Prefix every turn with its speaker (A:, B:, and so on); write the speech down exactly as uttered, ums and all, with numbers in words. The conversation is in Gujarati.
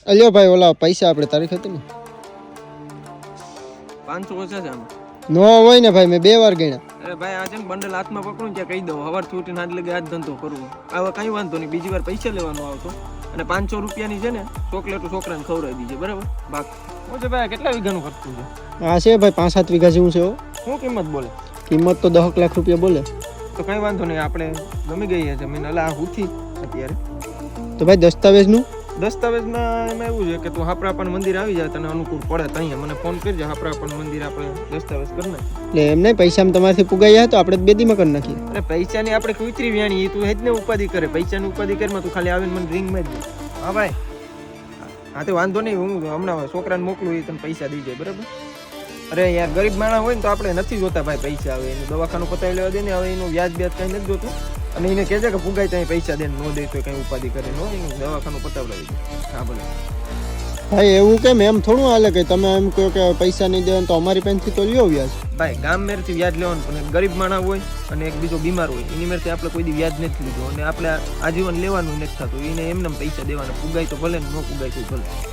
A: અલ્યો ભાઈ ઓલા પૈસા આપણે તારીખ હતી ને
B: પાંચસો ઓછા છે આમ.
A: નો હોય ને ભાઈ, મેં બે વાર ગણ્યા.
B: અરે ભાઈ આ છે ને બંડલ હાથમાં પકડું ત્યાં કહી દઉં હવાર છૂટીને આજ લગે આજ ધંધો કરવો. આવા કઈ વાંધો નહીં, બીજી વાર પૈસા લેવાનો આવતો. અને પાંચસો રૂપિયાની છે ને ચોકલેટ છોકરાને ખવડાવી દીજે, બરાબર? બાકી હું છે ભાઈ કેટલા વીઘાનું ખર્ચું છે?
A: હા છે ભાઈ, પાંચ સાત વીઘા જેવું છે હો.
B: શું કિંમત બોલે?
A: કિંમત તો દસ લાખ રૂપિયા બોલે.
B: તો કઈ વાંધો નહીં, આપણે ગમી ગઈ છે જમીન. અલા આ હુથી અત્યારે
A: તો ભાઈ દસ્તાવેજનું
B: દસ્તાવેજમાં એમાં એવું છે કે તું હાપરાપણ મંદિર આવી જાય, તને અનુકૂળ પડે તો અહીંયા મને ફોન કરજે. હાપરાપણ મંદિર આપણે દસ્તાવેજ કરી નાખીએ.
A: એટલે એમ નહીં, પૈસા તમારાથી પુગાયા તો આપણે બેદીમાં કરી નાખીએ.
B: અરે પૈસાની આપણે કુતરી વ્યાણી, તું હેજ ને ઉપાધિ કરે. પૈસાની ઉપાધિ કરીમાં તું ખાલી આવીને મને રિંગ માં જ. હા ભાઈ, હા તો વાંધો નહીં, હું હમણાં છોકરાને મોકલું, એ તને પૈસા દઈ જાય, બરાબર? અરે યાર ગરીબ માણસ હોય ને તો આપણે નથી જોતા ભાઈ પૈસા આવે એનું દવાખાનું પતાવી લેવા દે ને. હવે એનું વ્યાજ બ્યાજ કઈ નથી જોતું. અને એને કહેજે કે ફુગાઈ ત્યાં પૈસા દે, ન દે તો કઈ ઉપાધિ કરે નો, એનું દવાખાનું પતાવડાવી દે. હા ભલે
A: ભાઈ, એવું કેમ? એમ થોડું હાલે કે તમે એમ કહો કે પૈસા નહીં દેવાનું તો અમારી પાસેથી તો લ્યો વ્યાજ.
B: ભાઈ ગામ મેરથી વ્યાજ લેવાનું, પણ એક ગરીબ માણસ હોય અને એક બીજો બીમાર હોય એની મેરથી આપણે કોઈ દી વ્યાજ નથી લીધું અને આપણે આજીવન લેવાનું નથી થતું. એને એમને પૈસા દેવાના, ફુગાઈ તો ભલે ને ન ફુગાઈ તો ભલે.